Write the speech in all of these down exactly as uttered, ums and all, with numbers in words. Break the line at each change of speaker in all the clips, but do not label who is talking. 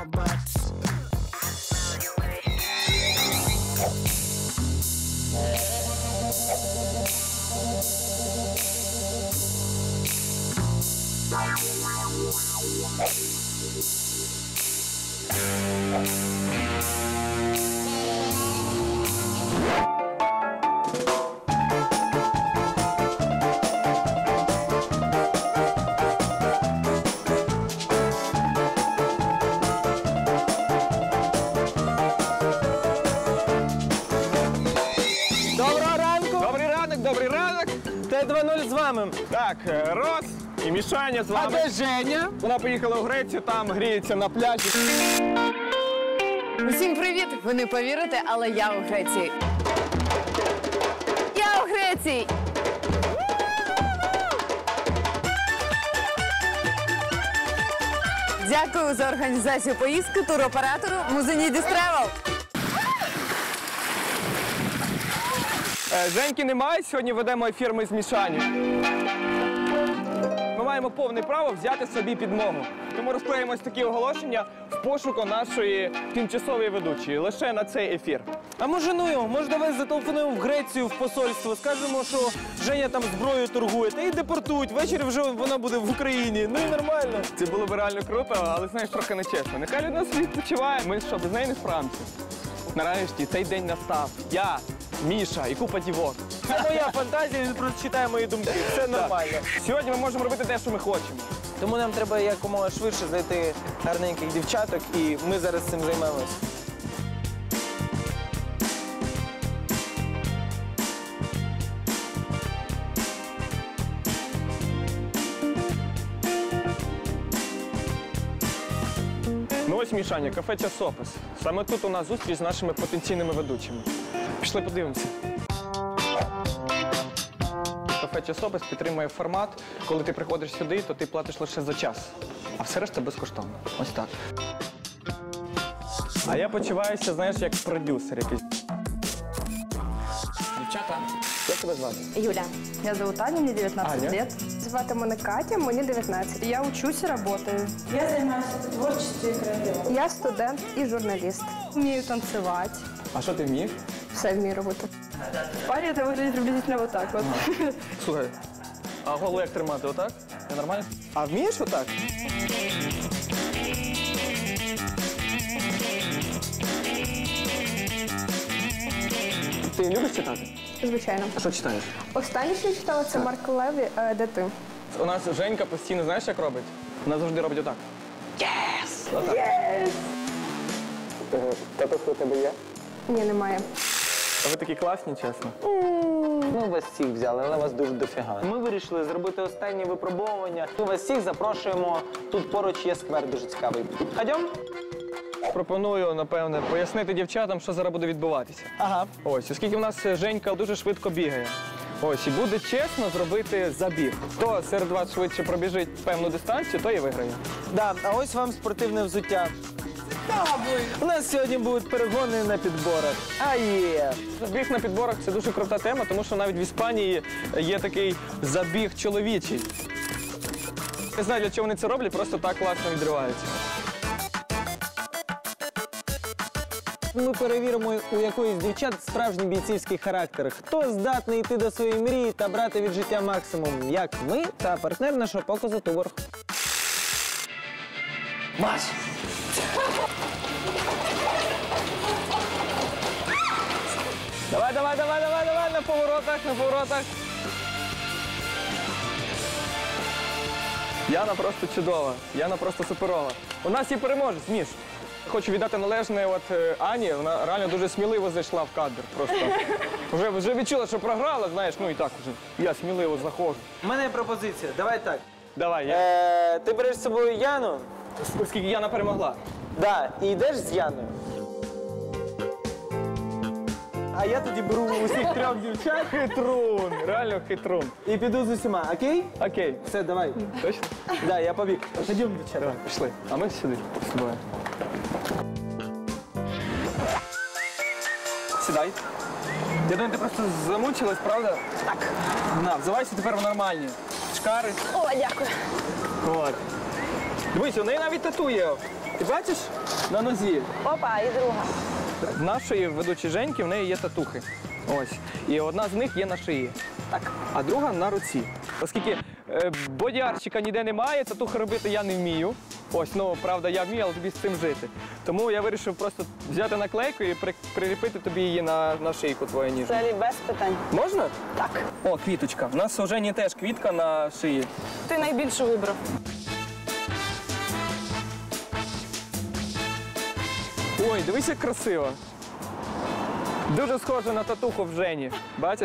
my butts.
Доброго ранку!
Добрий ранок, добрий ранок!
Т два нуль з вами.
Так, Рос і Мішаня з
А
вами.
де Женя?
Вона поїхала у Грецію, там гріється на пляжі.
Усім привіт! Ви не повірите, але я у Греції. Я у Греції! Дякую за організацію поїздки туроператору Музенідіс Тревел.
Е, Женьки немає, сьогодні ведемо ефір ми з Мішаню. Ми маємо повне право взяти собі підмогу. Тому розклеїмо ось такі оголошення в пошуку нашої тимчасової ведучої. Лише на цей ефір.
А може ну його, може давай зателефонуємо в Грецію, в посольство, скажемо, що Женя там зброєю торгує, та і депортують, ввечері вже вона буде в Україні, ну і нормально.
Це було б реально круто, але, знаєш, трохи нечесно. Нехай людина собі відпочиває. Ми що, без неї не справимося? Нарешті цей день настав. Я, Міша і купа дівок.
Це моя фантазія, він просто читає мої думки, все нормально.
Сьогодні ми можемо робити те, що ми хочемо.
Тому нам треба якомога швидше знайти гарненьких дівчаток, і ми зараз цим займемось.
Ну ось, Мішаня, кафе «Часопис». Саме тут у нас зустріч з нашими потенційними ведучими. Пішли подивимося. Кафе «Часопис» підтримує формат. Коли ти приходиш сюди, то ти платиш лише за час. А все решта безкоштовно. Ось так. А я почуваюся, знаєш, як продюсер якийсь. Дівчата, як тебе звати?
Юля. Меня зовут Аня, мне девятнадцать
Аня.
лет. Звати мене Катя, мені девятнадцать. Я учусь и работаю.
Я занимаюсь творчеством и креативом.
Я студент і журналіст. Вмію танцювати,
А що ти вмієш?
все вмію робити. В парі это выглядит приблизительно вот так вот.
Слухай, а голову як тримати? Отак? Це нормально? А вмієш отак? Ти любиш читати?
Звичайно.
А що читаєш?
Останнє, що я читала, це Марк Леві е, «Де ти?».
У нас Женька постійно, знаєш, як робить? Вона завжди робить отак. Єс! Отак.
Єс!
Татух у тебе є?
Ні, немає.
А ви такі класні, чесно.
Ми вас всіх взяли, але вас дуже дофіга. Ми вирішили зробити останнє випробовування. Ми вас всіх запрошуємо. Тут поруч є сквер дуже цікавий. Ходім?
Пропоную, напевне, пояснити дівчатам, що зараз буде відбуватися.
Ага.
Ось, оскільки в нас Женька дуже швидко бігає. Ось, і буде чесно зробити забіг. Хто серед вас швидше пробіжить певну дистанцію, той і виграє.
Да, а ось вам спортивне взуття. У нас сьогодні будуть перегони на підборах. А є.
Забіг на підборах – це дуже крута тема, тому що навіть в Іспанії є такий забіг чоловічий. Не знаю, для чого вони це роблять, просто так класно відриваються.
Ми перевіримо у якоїсь дівчат справжній бійцівський характер. Хто здатний йти до своєї мрії та брати від життя максимум, як ми та партнер нашого показу Туборг.
Маш! Давай, давай, давай, давай, давай, на поворотах, на поворотах. Яна просто чудова, Яна просто суперова. У нас є переможець, Міш. Хочу віддати належне от е, Ані, вона реально дуже сміливо зайшла в кадр. Просто вже, вже відчула, що програла, знаєш, ну і так вже. Я сміливо заходжу.
У мене є пропозиція. Давай так.
Давай, я.
Е, ти береш з собою Яну,
Оскільки Яна перемогла.
да, і йдеш з Яною. А я тоді беру усіх трьох дівчат
Хитрун, реально хитрун.
і піду з усіма, окей?
Окей,
Все, давай.
точно?
Да, я побіг. Ходімо, дівчата.
Давай, пішли. А ми сюди з тобою. Сідай. Я думаю, ти просто замучилась, правда? Так. На, взивайся тепер в нормальні. Шкари.
О, дякую.
От. Дивись, у неї навіть тату є. Ти бачиш? на нозі.
Опа, і друга.
В нашої ведучої Женьки в неї є татухи. Ось. І одна з них є на шиї. Так. А друга на руці. Оскільки е, бодіарщика ніде немає, татухи робити я не вмію. Ось, ну, правда, я вмію, але тобі з цим жити. Тому я вирішив просто взяти наклейку і при, приліпити тобі її на, на шийку твою ніжну.
Взагалі без питань.
Можна? Так. О, квіточка. У нас у Жені теж квітка на шиї.
Ти найбільше вибрав.
Ой, дивись, як красиво. Дуже схоже на татуху в Жені. Бачиш?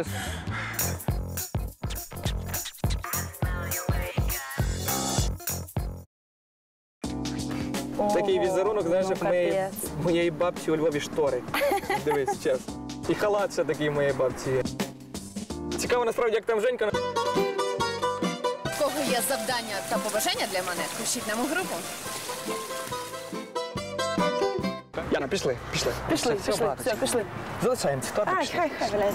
Такий візерунок, знаєш, як моєї, моєї бабці у Львові штори. Дивись, час. І халат ще такий моєї бабці є. Цікаво, насправді, як там Женька.
В кого є завдання та побажання для мене, пишіть нам у групу.
Яна, пішли, пішли.
Пішли,
Все,
пішли,
багато.
все, пішли.
Залишаємося. Торби
Ай,
пішли.
хай, хай, валяйся.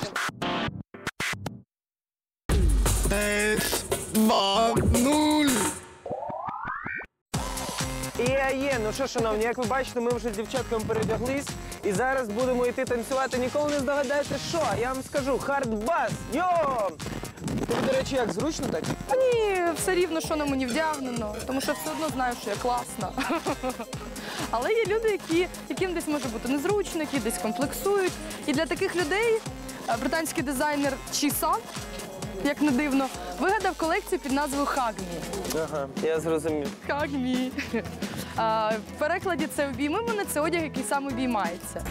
Є, є, ну що, шановні, як ви бачите, ми вже з дівчатками передяглись і зараз будемо йти танцювати. Ніколи не здогадаєте, що? Я вам скажу, хардбас, йо! Тобі, до речі, як, зручно так?
Та ні, все рівно, що на мені вдягнено, тому що все одно знаю, що я класна. Але є люди, які, яким десь може бути незручно, які десь комплексують. І для таких людей е, британський дизайнер Чіса, як не дивно, вигадав колекцію під назвою «Хагмі».
Ага, я зрозумів.
Хагмі. А, в перекладі це «Обійми мене» – це одяг, який сам обіймається.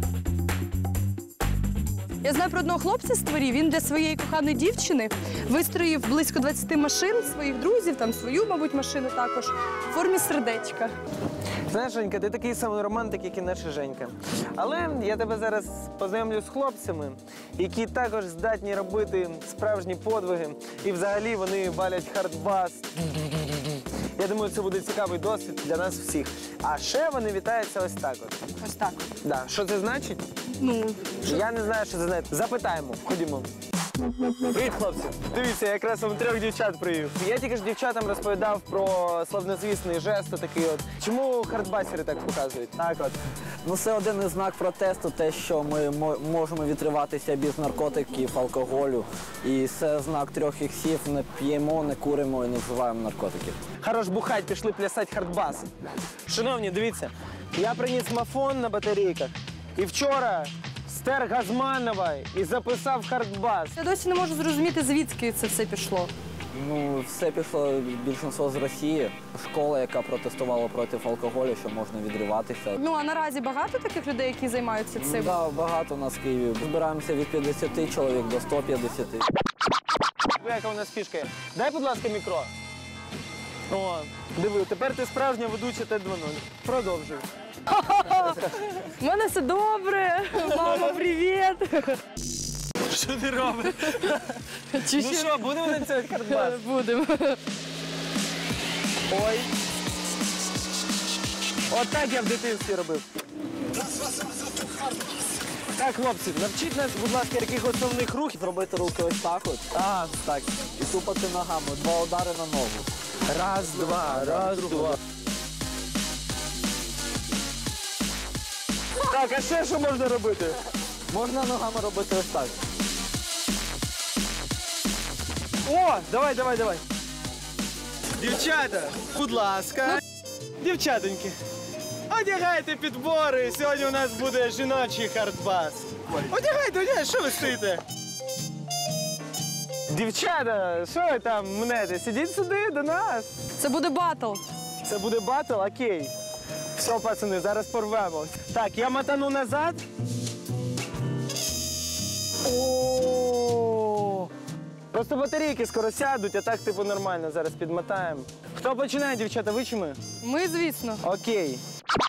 Я знаю про одного хлопця з Творі, він для своєї коханої дівчини вистроїв близько двадцяти машин, своїх друзів, там свою, мабуть, машину також, в формі сердечка.
Знаєш, Женька, ти такий самий романтик, як і наша Женька. Але я тебе зараз познайомлю з хлопцями, які також здатні робити справжні подвиги. І взагалі вони валять хардбас. Я думаю, це буде цікавий досвід для нас всіх. А ще вони вітаються ось так от.
Ось так.
Да. Що це значить?
Ну,
Я не знаю, що це значить. Запитаємо. Ходімо. Привіт, хлопці. Дивіться, я якраз вам трьох дівчат привів. Я тільки ж дівчатам розповідав про славнозвісний жест такий от. Чому хардбасери так показують? Так от.
Ну, це один із знак протесту, те, що ми мо- можемо відриватися без наркотиків, алкоголю. І це знак трьох іксів. Не п'ємо, не куримо і не вживаємо наркотиків.
Хорош бухать, пішли плясати хардбас. Шановні, дивіться, я приніс мафон на батарейках. І вчора стер Газманова і записав хардбас.
я досі не можу зрозуміти, звідки це все пішло.
Ну, все пішло більшість з Росії. Школа, яка протестувала проти алкоголю, що можна відриватися.
Ну, а наразі багато таких людей, які займаються цим?
Да, багато у нас в Києві. Збираємося від п'ятдесяти чоловік до ста п'ятдесяти.
Яка у нас фішка є? Дай, будь ласка, мікро. О, диви, тепер ти справжня ведуча Т два нуль. Продовжуй.
У мене все добре. Мама, привіт.
Що ти робиш?
Чи
Ну що, будемо танцювати хардбас?
будемо?
Ой. Отак я в дитинстві робив. Так, хлопці, навчіть нас, будь ласка, яких основних рухів.
Зробити руки ось так от.
А,
Так. І тупати ногами. Два удари на ногу.
раз, два, раз, два. Так, а ще що можна робити?
Можна ногами робити ось так.
О, давай, давай, давай. Дівчата, будь ласка. Дівчатоньки, одягайте підбори. Сьогодні у нас буде жіночий хардбас. Одягайте, одягайте, що ви стоїте? Дівчата, що ви там мнете? Сидіть сюди, до нас.
Це буде батл.
Це буде батл, окей. Все, пацани, зараз порвемо. Так, я мотану назад. О! Просто батарейки скоро сядуть, а так типу нормально зараз підмотаємо. Хто починає, дівчата, ви чи ми?
Ми, звісно.
Окей.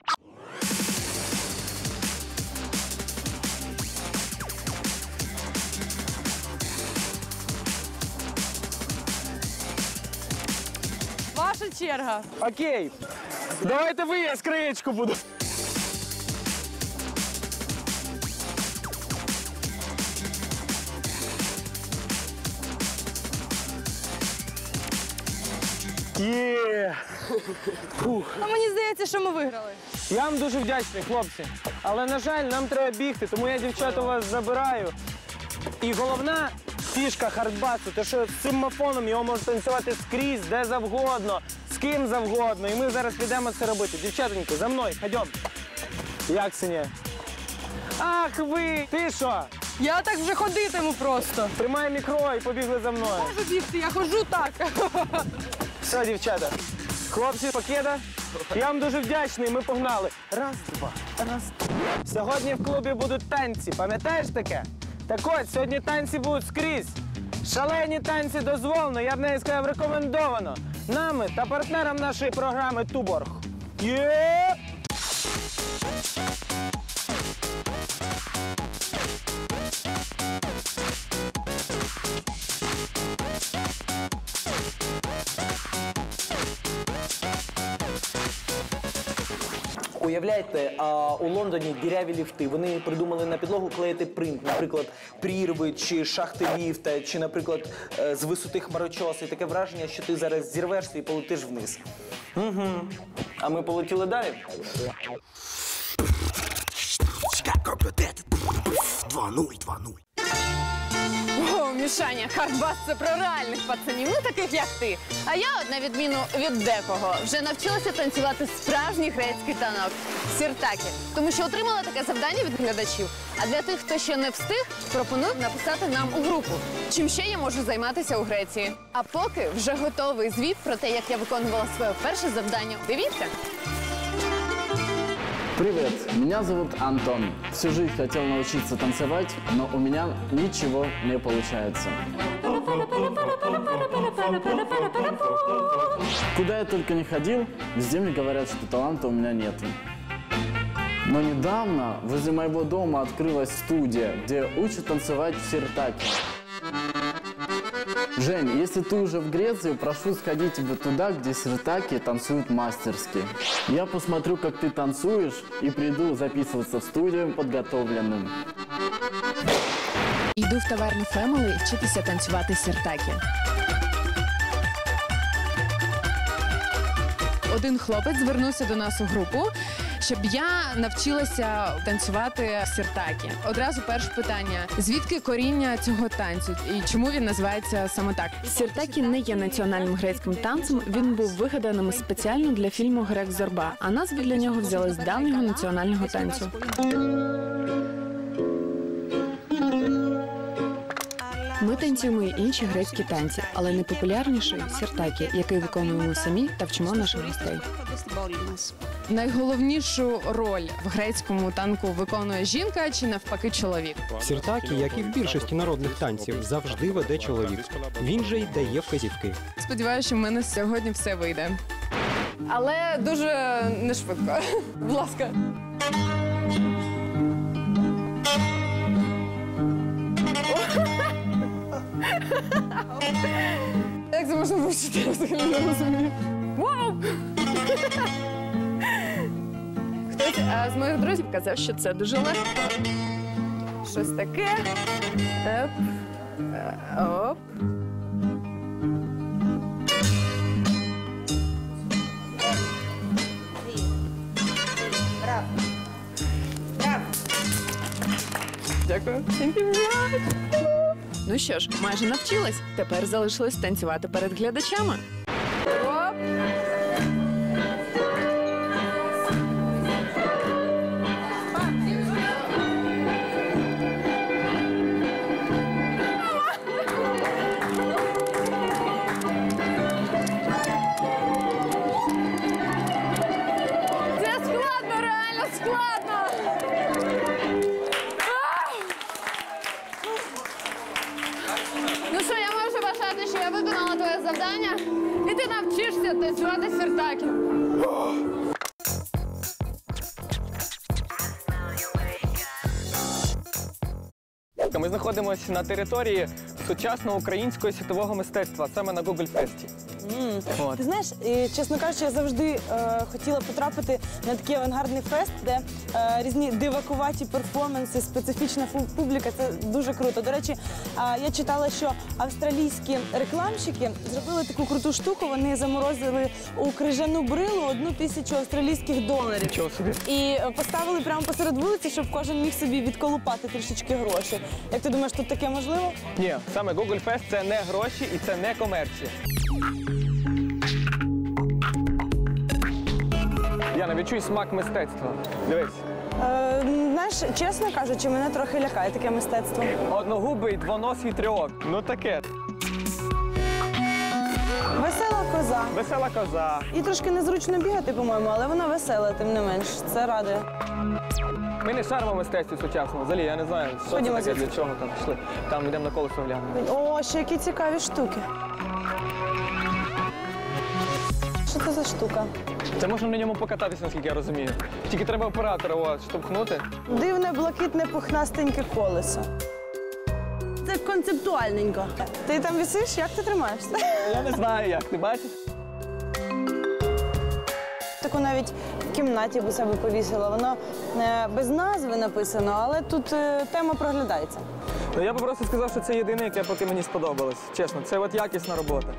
Ваша черга.
Окей. Давайте ви, я скриєчку буду. Є.
А мені здається, що ми виграли.
Я вам дуже вдячний, хлопці. Але, на жаль, нам треба бігти, тому я, дівчата, вас забираю. І головна фішка хардбасу, те, що з цим мафоном його можна танцювати скрізь, де завгодно, з ким завгодно. І ми зараз підемо це робити. Дівчатоньки, за мною, ходьом. Як, Синя? Ах ви! Ти що?
Я так вже ходитиму просто.
Тримай мікро і побігли за мною.
Можу бігти, я ходжу так.
Все, дівчата. Хлопці, Покеда, я вам дуже вдячний, ми погнали. Раз, два, раз, два. Сьогодні в клубі будуть танці, пам'ятаєш таке? Так от, сьогодні танці будуть скрізь. Шалені танці дозволено, я б навіть сказав, рекомендовано. Нами та партнерам нашої програми Туборг. Є! Уявляєте, а, у Лондоні діряві ліфти. Вони придумали на підлогу клеїти принт, наприклад, прірви чи шахти ліфта, чи, наприклад, е, з висоти хмарочоси. І таке враження, що ти зараз зірвешся і полетиш вниз. Угу. А ми полетіли далі?
два нуль, два нуль.
О, Мішаня, хардбас – це про реальних пацанів, ну таких як ти. А я, на відміну від декого, вже навчилася танцювати справжній грецький танок – сіртакі. Тому що отримала таке завдання від глядачів. А для тих, хто ще не встиг, пропоную написати нам у групу, чим ще я можу займатися у Греції. А поки вже готовий звіт про те, як я виконувала своє перше завдання. Дивіться!
Привет, меня зовут Антон. Всю жизнь хотел научиться танцевать, но у меня ничего не получается. Куда я только не ходил, везде мне говорят, что таланта у меня нет. Но недавно возле моего дома открылась студия, где учат танцевать в сиртаке. Жень, если ты уже в Греции, прошу сходить тебе туда, где сиртаки танцуют мастерски. Я посмотрю, как ты танцуешь, и приду записываться в студию подготовленным.
Йду в таверну Family вчитися танцювати сіртакі. Один хлопець звернувся до нас у групу, щоб я навчилася танцювати сіртакі. Одразу перше питання: звідки коріння цього танцю і чому він називається саме так? Сіртакі не є національним грецьким танцем, він був вигаданим спеціально для фільму «Грек Зорба», а назву для нього взяли з давнього національного танцю. Ми танцюємо і інші грецькі танці, але найпопулярніший – сіртакі, який виконуємо самі та вчимо наших гостей. Найголовнішу роль в грецькому танку виконує жінка чи навпаки чоловік?
Сіртакі, як і в більшості народних танців, завжди веде чоловік. Він же й дає вказівки.
Сподіваюся, що в мене сьогодні все вийде. Але дуже не швидко. Будь ласка. Як це можна вивчити? Я взагалі не розумію. Вау! Хтось а, з моїх друзів казав, що це дуже легко. Щось таке. Оп. Оп. Дякую. Ну що ж, майже навчилась. Тепер залишилось танцювати перед глядачами. Оп! Це складно, реально складно! Ну що, я можу вважати, що я виконала твоє завдання, і ти навчишся танцювати сіртакі.
Ми знаходимося на території сучасного українського світового мистецтва, саме на Google Фесті.
Ти знаєш, і, чесно кажучи, я завжди е, хотіла потрапити на такий авангардний фест, де е, різні дивакуваті перформанси, специфічна фу- публіка. Це дуже круто. До речі, е, я читала, що австралійські рекламщики зробили таку круту штуку. Вони заморозили у крижану брилу одну тисячу австралійських доларів.
Чого собі?
І е, поставили прямо посеред вулиці, щоб кожен міг собі відколупати трішечки гроші. Як ти думаєш, тут таке можливо?
Ні, саме Google Fest – це не гроші і це не комерція. Яна, відчуй смак мистецтва. Дивись.
Е, знаєш, чесно кажучи, мене трохи лякає таке мистецтво.
Одногубий, двоносий трьох. Ну таке.
Весела коза.
Весела коза.
І трошки незручно бігати, по-моєму, але вона весела, тим не менш. Це радує.
Ми не шаримо в мистецтві сучасному. Взагалі, я не знаю, що це
Ходімо
таке,
звідси.
для чого там пішли. Там йдемо на колесо глянемо.
О, ще які цікаві штуки. Що це за штука?
Це можна на ньому покататися, наскільки я розумію. Тільки треба оператора от, штовхнути.
Дивне, блакитне, пухнастеньке колесо. Це концептуальненько. Ти там висиш? Як ти тримаєшся?
Я не знаю як, ти бачиш?
Таку навіть в кімнаті б у себе повісила. Воно е, без назви написано, але тут е, тема проглядається.
Ну я би просто сказав, що це єдине, яке поки мені сподобалось. Чесно, це от якісна робота.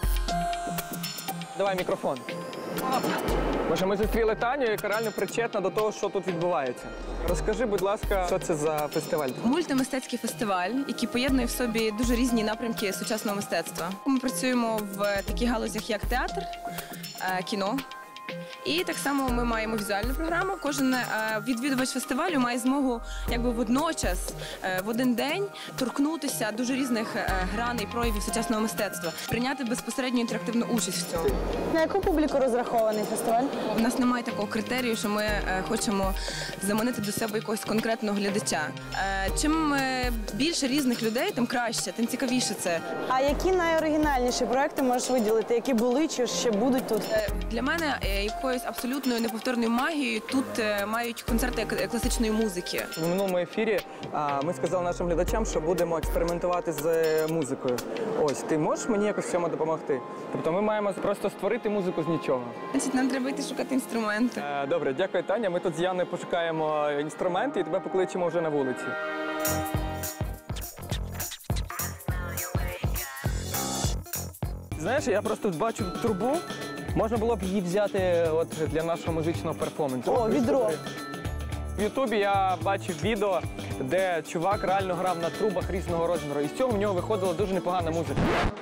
Давай мікрофон. Може, ми зустріли Таню, яка реально причетна до того, що тут відбувається. Розкажи, будь ласка, що це за фестиваль?
Мультимистецький фестиваль, який поєднує в собі дуже різні напрямки сучасного мистецтва. Ми працюємо в таких галузях, як театр, е, кіно. І так само ми маємо візуальну програму. Кожен е, відвідувач фестивалю має змогу якби водночас, е, в один день торкнутися дуже різних е, граней, проявів сучасного мистецтва, прийняти безпосередньо інтерактивну участь в цьому.
На яку публіку розрахований фестиваль?
У нас немає такого критерію, що ми е, хочемо заманити до себе якогось конкретного глядача. Е, чим е, більше різних людей, тим краще, тим цікавіше це.
А які найоригінальніші проекти можеш виділити? Які були чи ще будуть тут?
Е, для мене е, якоюсь абсолютною неповторною магією тут е, мають концерти к- класичної музики.
В минулому ефірі а, ми сказали нашим глядачам, що будемо експериментувати з е, музикою. Ось, ти можеш мені якось в цьому допомогти? Тобто ми маємо просто створити музику з нічого.
Значить, нам треба йти шукати інструменти.
Е, добре, дякую, Таня. Ми тут з Яною пошукаємо інструменти і тебе покличемо вже на вулиці. Знаєш, я просто бачу трубу. Можна було б її взяти от для нашого музичного перформансу.
О, відро.
В Ютубі я бачив відео, де чувак реально грав на трубах різного розміру. І з цього в нього виходила дуже непогана музика.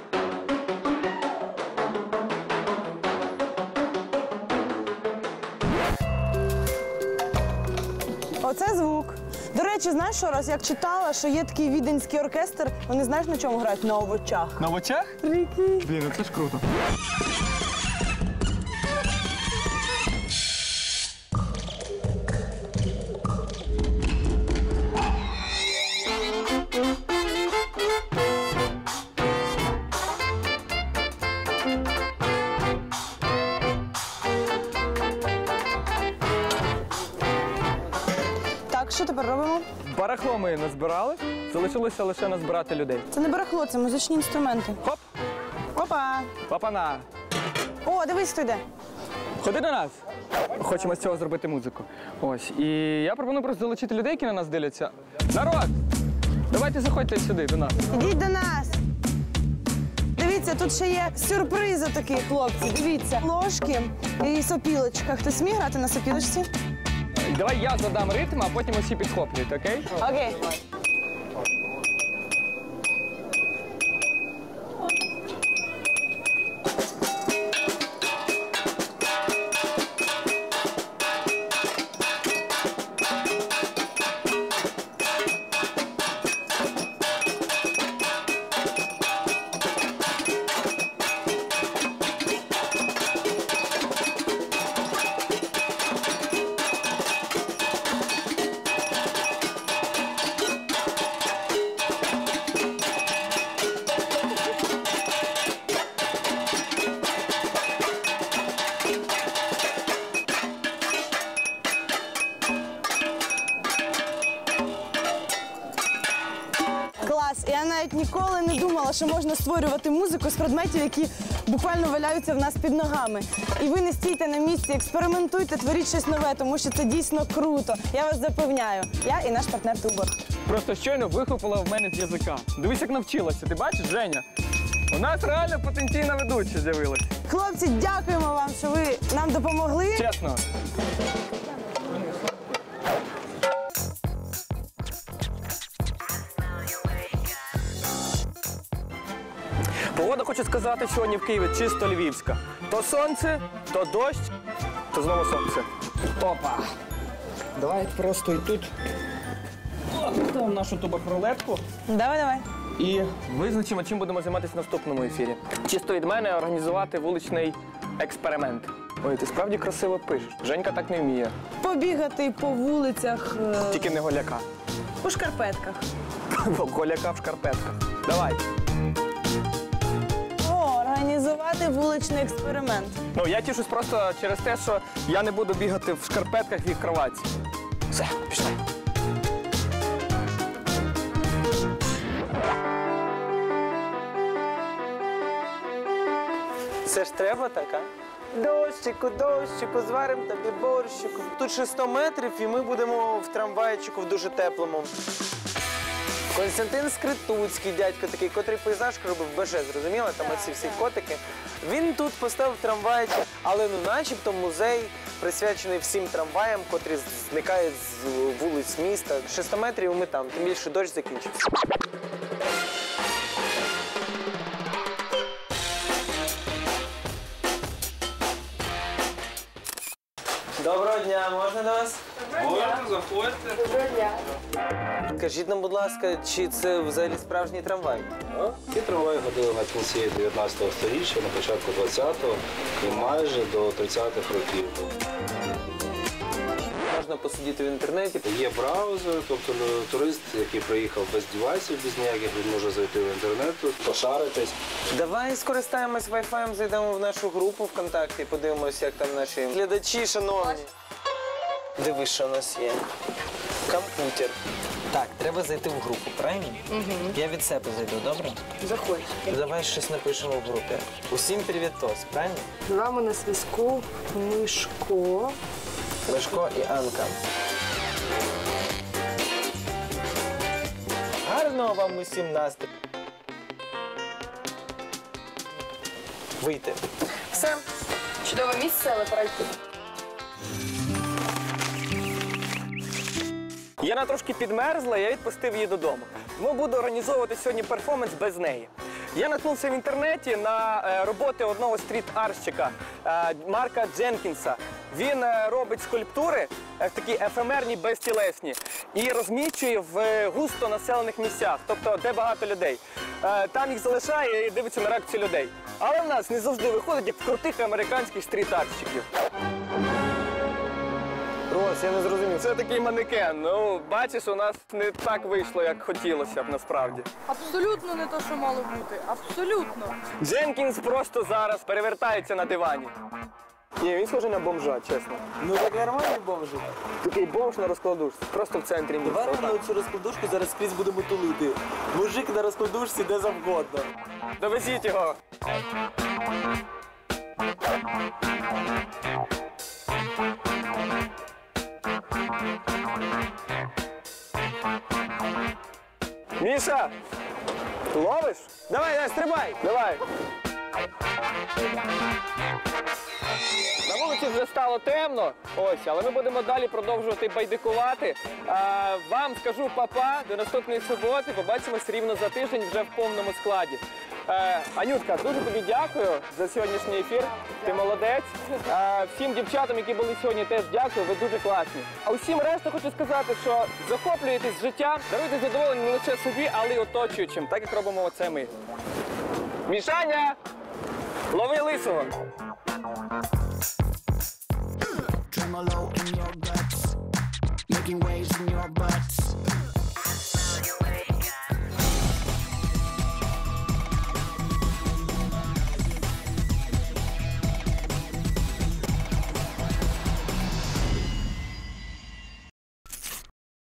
Оце звук. До речі, знаєш що, раз як читала, що є такий віденський оркестр, вони знаєш на чому грають? На овочах.
На овочах?
Прикинь.
Блін, ну це ж круто.
Так, що тепер робимо?
Барахло ми назбирали, залишилося лише назбирати людей.
Це не барахло, це музичні інструменти.
Хоп!
Опа!
Папана!
О, дивись, хто йде.
Ходи до нас! Хочемо з цього зробити музику. Ось. І я пропоную просто залучити людей, які на нас дивляться. Народ! Давайте заходьте сюди, до нас.
Ідіть до нас. Дивіться, тут ще є сюрпризи такі, хлопці. Дивіться, ложки і сопілочка. Хтось сміє грати на сопілочці?
Давай я задам ритм, а потім усі підхоплюють, окей?
Окей. Клас. Я навіть ніколи не думала, що можна створювати музику з предметів, які буквально валяються в нас під ногами. І ви не стійте на місці, експериментуйте, творіть щось нове, тому що це дійсно круто. Я вас запевняю. Я і наш партнер Тубор.
Просто щойно вихопила в мене з язика. Дивись, як навчилася. Ти бачиш, Женя? У нас реально потенційна ведуча з'явилась.
Хлопці, дякуємо вам, що ви нам допомогли.
Чесно. Погода, хочу сказати, сьогодні в Києві чисто львівська. То сонце, то дощ, то знову сонце. Опа! Давай просто і тут поставимо нашу тубокролетку.
Давай, давай.
І визначимо, чим будемо займатися в наступному ефірі. Чисто від мене організувати вуличний експеримент. Ой, ти справді красиво пишеш. Женька так не вміє.
Побігати по вулицях. е,
Тільки не голяка.
У шкарпетках.
Голяка в шкарпетках. Давай.
О, організувати вуличний експеримент.
Ну, я тішусь просто через те, що я не буду бігати в шкарпетках і в кроватці. Все, пішли.
Це ж треба так, а? Дощику, дощику, зварим тобі борщику. Тут ще сто метрів, і ми будемо в трамвайчику в дуже теплому. Константин Скритуцький, дядько такий, котрий пейзаж робив БЖ, зрозуміло? Там оці всі котики. Він тут поставив трамвайчик, але ну начебто музей присвячений всім трамваям, котрі зникають з вулиць міста. ще сто метрів і ми там, тим більше дощ закінчився. Доброго дня, можна до вас?
Можна, заходьте.
Доброго дня.
Скажіть нам, будь ласка, чи це взагалі справжній трамвай?
Ці трамваї ходили на кінці дев'ятнадцятого сторіччя, на початку двадцятого і майже до тридцятих років.
Можна посидіти в інтернеті.
Є браузер, тобто турист, який приїхав без девайсів, без ніяких, він може зайти в інтернет, пошаритись.
Давай скористаємось вай-фаєм, зайдемо в нашу групу ВКонтакті і подивимося, як там наші глядачі, шановні. Дивись, що у нас є. Комп'ютер. Так, треба зайти в групу, правильно? Угу. Я від себе зайду, добре?
Заходь.
Давай щось напишемо в групі. Усім привітос, правильно?
З вами на зв'язку Мишко.
Мишко і Анка. Гарного вам усім настрою. Вийти. Все.
Чудове місце, але пора йти.
Яна трошки підмерзла, я відпустив її додому. Тому буду організовувати сьогодні перформанс без неї. Я наткнувся в інтернеті на е, роботи одного стріт-арщика е, Марка Дженкінса. Він е, робить скульптури, е, такі ефемерні, безтілесні, і розміщує в е, густо населених місцях, тобто де багато людей. Е, там їх залишає і дивиться на реакцію людей. Але в нас не завжди виходить, як в крутих американських стріт-арщиків. Рос, я не зрозумів. Це такий манекен. Ну, бачиш, у нас не так вийшло, як хотілося б насправді.
Абсолютно не те, що мало бути. Абсолютно.
Дженкінс просто зараз перевертається на дивані. Ні, він схожий на бомжа, чесно.
Ну так нормальний бомжик.
Такий бомж на розкладушці, просто в центрі міста.
Давай ми на цю розкладушку зараз скрізь будемо тулити. Мужик на розкладушці де завгодно.
Довезіть його. Міша, ловиш? Давай, давай, стрибай. Давай. На вулиці вже стало темно, ось, але ми будемо далі продовжувати байдикувати. А, вам скажу па-па, до наступної суботи, побачимось рівно за тиждень вже в повному складі. Е, Анютка, дуже тобі дякую за сьогоднішній ефір, ти молодець. Е, всім дівчатам, які були сьогодні, теж дякую, ви дуже класні. А усім решта хочу сказати, що захоплюєтесь життям, даруйте задоволення не лише собі, але й оточуючим, так як робимо оце ми. Мішаня, лови лисого.
Tremolo in your guts, making waves in your butts.